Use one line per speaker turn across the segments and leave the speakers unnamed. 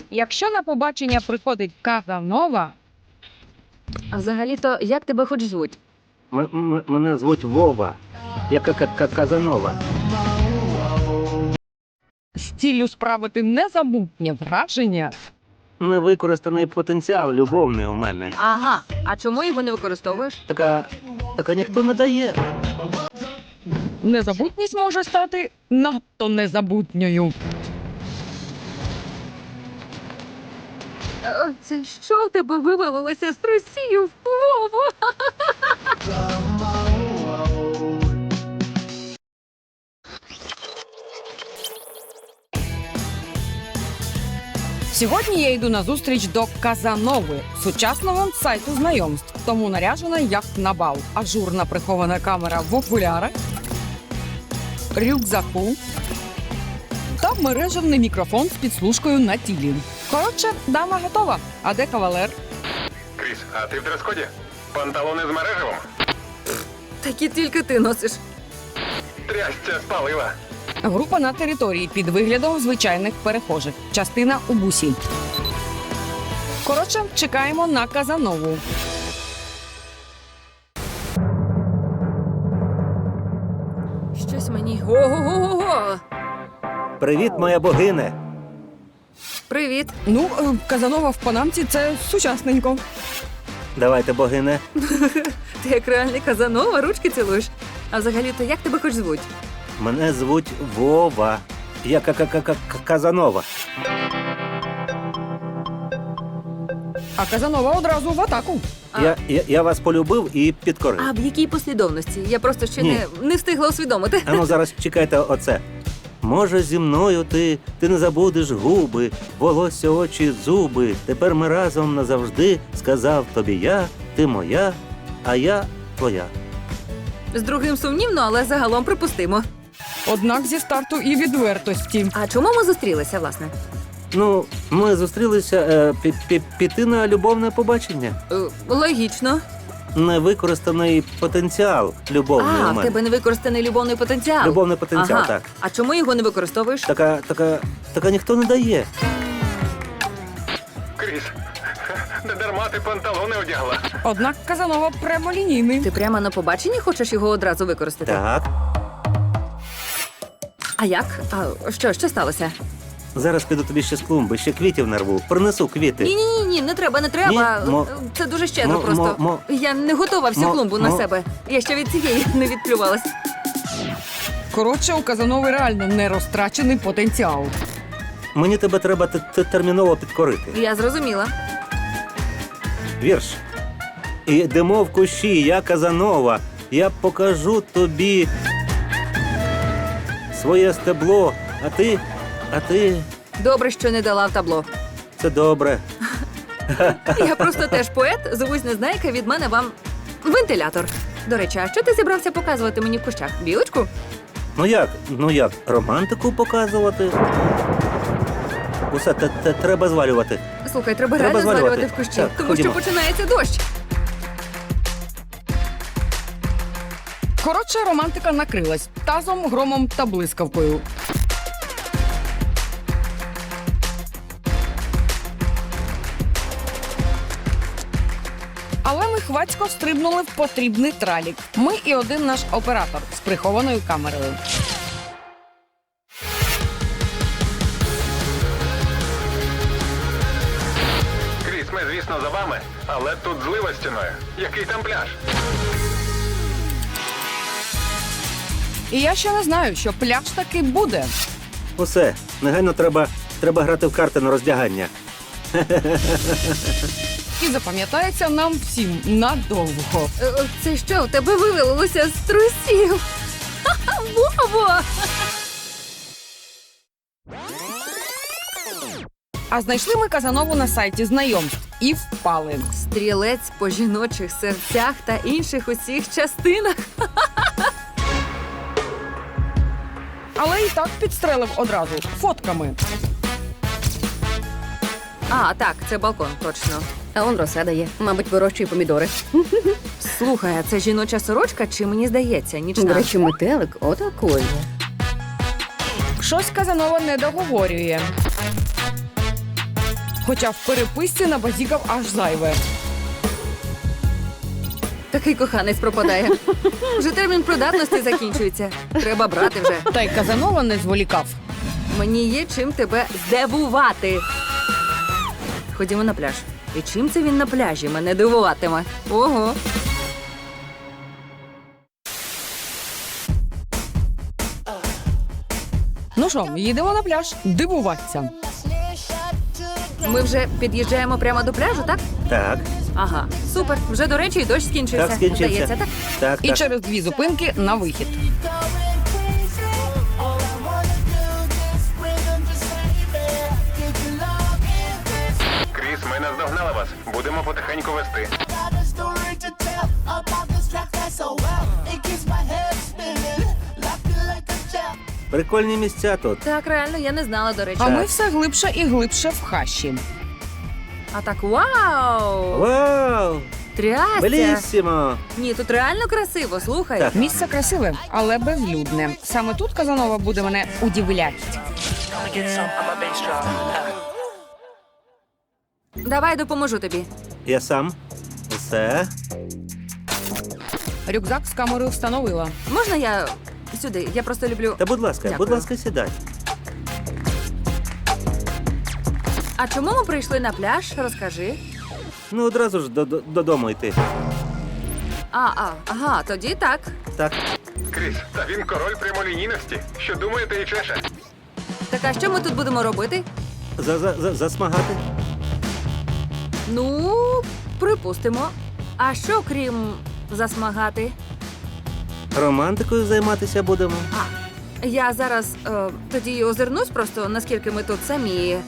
Якщо на побачення приходить Казанова,
А взагалі-то, як тебе хоч звуть?
Мене звуть Вова. Я Казанова.
з ціллю справити незабутнє враження,
Невикористаний потенціал любовний у мене.
Ага. А чому його не використовуєш?
Така ніхто не дає.
незабутність може стати надто незабутньою.
Це що в тебе вивалилося з трусів? Вова!
Сьогодні я йду на зустріч до Казанови, сучасного сайту знайомств. Тому наряжена як на бал. Ажурна прихована камера в окулярах, рюкзаку та мережевний мікрофон з підслужкою на тілі. Коротше, дама готова. А де кавалер?
Кріс, а ти в дрес-коді? Панталони з мережевим?
Такі тільки ти носиш.
Трясця спалила.
Група на території під виглядом звичайних перехожих. Частина у бусі. Коротше, чекаємо на Казанову.
Щось мені. Ого-го-го-го!
Привіт, моя богине.
Привіт.
Ну, Казанова в панамці – це сучасненько.
Давайте, богине.
Ти як реальний Казанова, ручки цілуєш. А взагалі-то, як тебе хоч звуть?
Мене звуть Вова. Я Казанова.
А Казанова одразу в атаку.
Я вас полюбив і підкорив.
А в якій послідовності? Я просто ще
Ні.
не встигла усвідомити.
А ну зараз чекайте оце. Може, зі мною ти не забудеш губи, волосся, очі, зуби. Тепер ми разом назавжди, сказав тобі я, ти моя, а я твоя.
З другим сумнівно, але загалом припустимо.
Однак зі старту і відвертості.
А чому ми зустрілися, власне?
Ну, ми зустрілися піти на любовне побачення.
Логічно.
Невикористаний потенціал любовний у
А, в
мене.
тебе невикористаний любовний потенціал.
Любовний потенціал,
ага.
так.
А чому його не використовуєш?
Така ніхто не дає.
Кріс, не дарма ти панталони одягла.
Однак Казанова прямолінійний.
Ти прямо на побаченні хочеш його одразу використати?
Так.
А як? А що сталося?
Зараз піду тобі ще з клумби, ще квітів нарву. Принесу квіти.
Ні, не треба.
Ні,
Це дуже щедро просто. Я не готова всю клумбу на себе. Я ще від цієї не відплювалась.
Коротше, у Казанови реально не розтрачений потенціал.
Мені тебе треба терміново підкорити.
Я зрозуміла.
Вірш. Ідемо в кущі, я Казанова. Я покажу тобі своє стебло, а ти...
Добре, що не дала в табло.
Це добре.
Я просто теж поет, звусь Незнайка, від мене вам вентилятор. До речі, а що ти зібрався показувати мені в кущах? Білочку?
Ну як, романтику показувати? Усе, треба звалювати.
Слухай, треба
Треба
реально звалювати
звалювати.
в кущі,
Так,
тому
ходімо.
що починається дощ.
Коротше, романтика накрилась тазом, громом та блискавкою. Але ми хвацько стрибнули в потрібний тралік. Ми і один наш оператор з прихованою камерою.
Кріс, ми, звісно, за вами, але тут злива стіною. Який там пляж?
І я ще не знаю, що пляж таки буде.
Усе, негайно треба грати в карти на роздягання.
І запам'ятається нам всім надовго.
Це що, у тебе вивалилося з трусів? Ха-ха, Вово!
А знайшли ми Казанову на сайті знайомств і впали.
Стрілець по жіночих серцях та інших усіх частинах.
Але і так підстрелив одразу фотками.
А, так, це балкон, точно.
А он розсада є. Мабуть, вирощує помідори.
Слухай, а це жіноча сорочка, чи мені здається,
До
нічна?
речі, метелик отакої.
Щось Казанова не договорює. Хоча в переписці набазікав аж зайве.
Такий коханець пропадає. Вже термін придатності закінчується. Треба брати вже.
Та й Казанова не зволікав.
Мені є чим тебе здивувати. Ходімо на пляж. І чим це він на пляжі мене дивуватиме? Ого.
Ну що, їдемо на пляж дивуватися.
Ми вже під'їжджаємо прямо до пляжу, так?
Так,
Ага, супер. Вже, до речі, і дощ скінчився.
так скінчився.
Здається, так?
Так,
І
так.
через 2 зупинки на вихід.
Кріс, ми наздогнали вас. Будемо потихеньку вести.
Прикольні місця тут.
Так, реально, я не знала, до речі.
А ми все глибше і глибше в хащі.
А так, вау!
Вау!
Трясся!
Белісімо!
Ні, тут реально красиво, слухай.
Так.
Місце красиве, але безлюдне. Саме тут Казанова буде мене удивляти.
Давай допоможу тобі.
Я сам. Все.
Рюкзак з камерою встановила.
Можна я сюди? Я просто люблю.
Та будь ласка,
Дякую.
будь ласка, сідай.
А чому ми прийшли на пляж? Розкажи.
Ну, одразу ж додому йти.
Ага, тоді так.
Так.
Кріс, та він король прямолінійності. Що думаєте і чеше?
Так а що ми тут будемо робити?
Засмагати?
Ну, припустимо. А що крім засмагати?
Романтикою займатися будемо.
Я зараз тоді озирнусь просто, наскільки ми тут самі.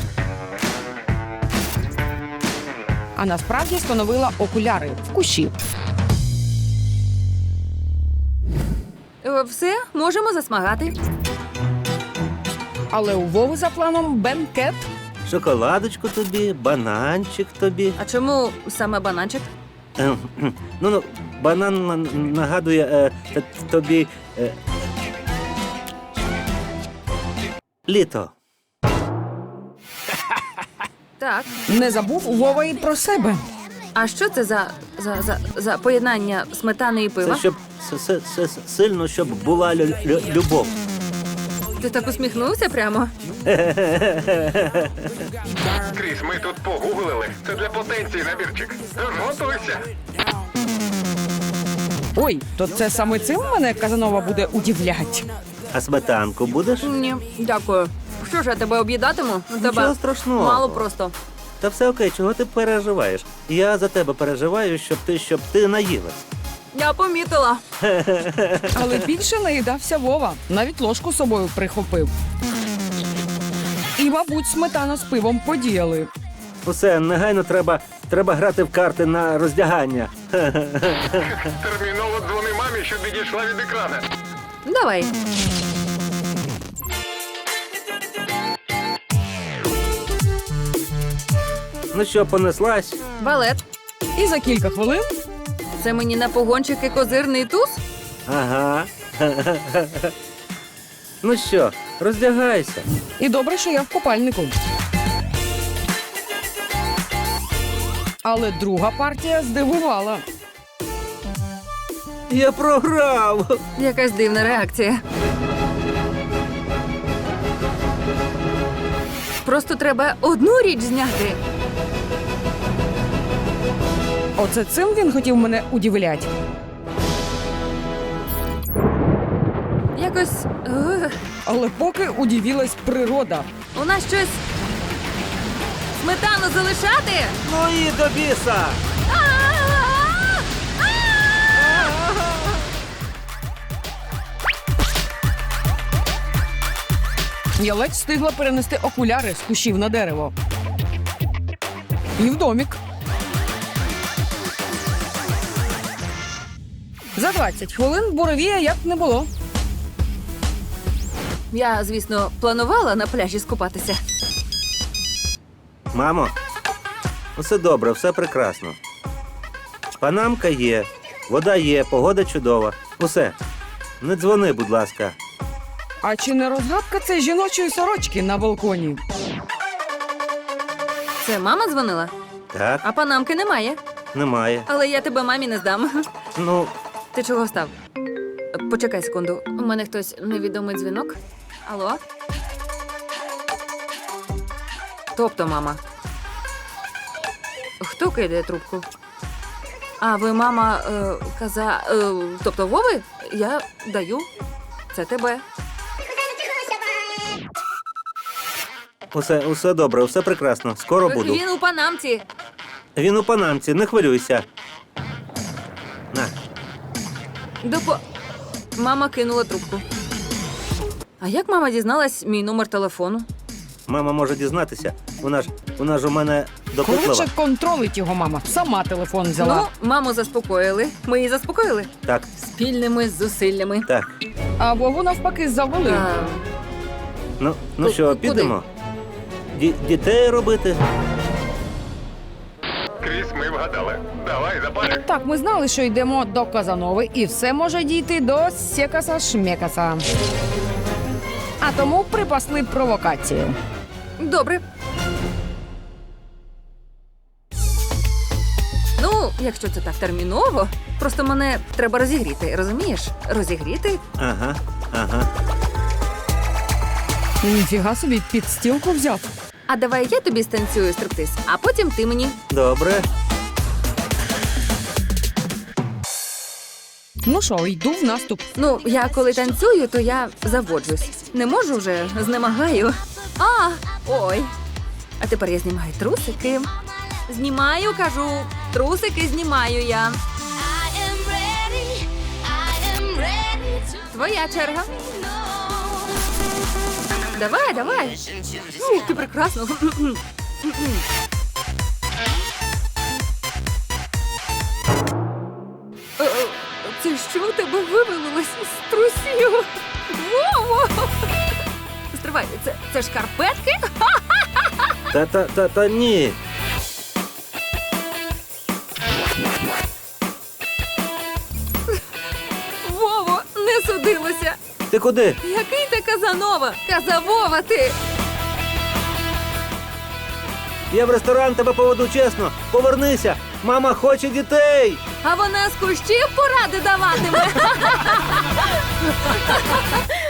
А насправді встановила окуляри в кущі.
Все, можемо засмагати.
Але у Вови за планом бенкет.
Шоколадочку тобі, бананчик тобі.
А чому саме бананчик?
Ну, банан нагадує тобі літо.
Так.
Не забув Вова і про себе.
А що це за поєднання сметани і пива?
Це щоб сильно, щоб була любов.
Ти так усміхнувся прямо?
Кріс, ми тут погуглили. Це для потенції набірчик. Тож готуйся.
Ой, то це саме цим мене Казанова буде удивлять.
А сметанку будеш?
Ні, дякую. Що ж я тебе об'їдатиму?
Нічого
Тебе
страшного.
мало просто.
Та все окей, чого ти переживаєш? Я за тебе переживаю, щоб ти наїлась.
Я помітила.
Але більше наїдався Вова. Навіть ложку з собою прихопив. І, мабуть, сметана з пивом подіяли.
Усе, негайно треба грати в карти на роздягання.
Терміново дзвони мамі, щоб відійшла від екрана.
Давай.
Ну що, понеслась?
Балет.
І за кілька хвилин
Це мені на погончики козирний туз?
Ага. Ну що, роздягайся.
і добре, що я в купальнику. Але друга партія здивувала.
Я програв.
Якась дивна реакція. Просто треба одну річ зняти.
Оце цим він хотів мене удивлять.
Якось
Але поки удивилась природа.
у нас щось сметану залишати.
Ну і до біса.
Я ледь встигла перенести окуляри з кущів на дерево. І в домік. За 20 хвилин буревія як не було.
Я, звісно, планувала на пляжі скупатися.
Мамо, усе добре, все прекрасно. Панамка є, вода є, погода чудова. Усе. Не дзвони, будь ласка.
А чи не розгадка це жіночої сорочки на балконі?
Це мама дзвонила?
Так,
А панамки немає.
немає.
Але я тебе мамі не здам.
Ну,
Ти чого став? Почекай секунду. У мене хтось невідомий дзвінок. Алло? Тобто, мама. Хто кидає трубку? А, ви мама тобто Вови? Я даю. Це тебе.
усе добре, усе прекрасно. Скоро буду.
Він у панамці.
Він у панамці, не хвилюйся. На.
Мама кинула трубку. А як мама дізналась мій номер телефону?
Мама може дізнатися. Вона ж у мене допитлива.
Коротше, контролить його мама. Сама телефон взяла.
Ну, маму заспокоїли. Ми її заспокоїли.
Так,
Спільними зусиллями.
так.
А Вову навпаки завели.
Ну що,
куди?
підемо? Дітей робити?
Кріс, ми вгадали. Давай, запалюй.
Так, ми знали, що йдемо до Казанови, і все може дійти до Сєкаса-Шмекаса. А тому припасли провокацію.
Добре. Ну, якщо це так терміново, просто мене треба розігріти, розумієш? Розігріти?
Ага.
Ніфіга собі, підстілку взяв.
А давай я тобі станцюю стриптиз, а потім ти мені.
Добре.
Ну що, йду в наступ.
Ну, я коли танцюю, то я заводжусь. Не можу вже, знемагаю. Ой. А тепер я знімаю трусики. Знімаю, кажу. Трусики знімаю я. Твоя черга. Давай. Ух, ти прекрасно. Це що у тебе вивалилось з трусів? Вово! Стривай, це шкарпетки?
Та ні.
Вово, не судилося.
Ти куди?
Який ти Казанова? Казавова ти!
Я в ресторан тебе поведу чесно. Повернися. Мама хоче дітей.
А вона з кущів поради даватиме.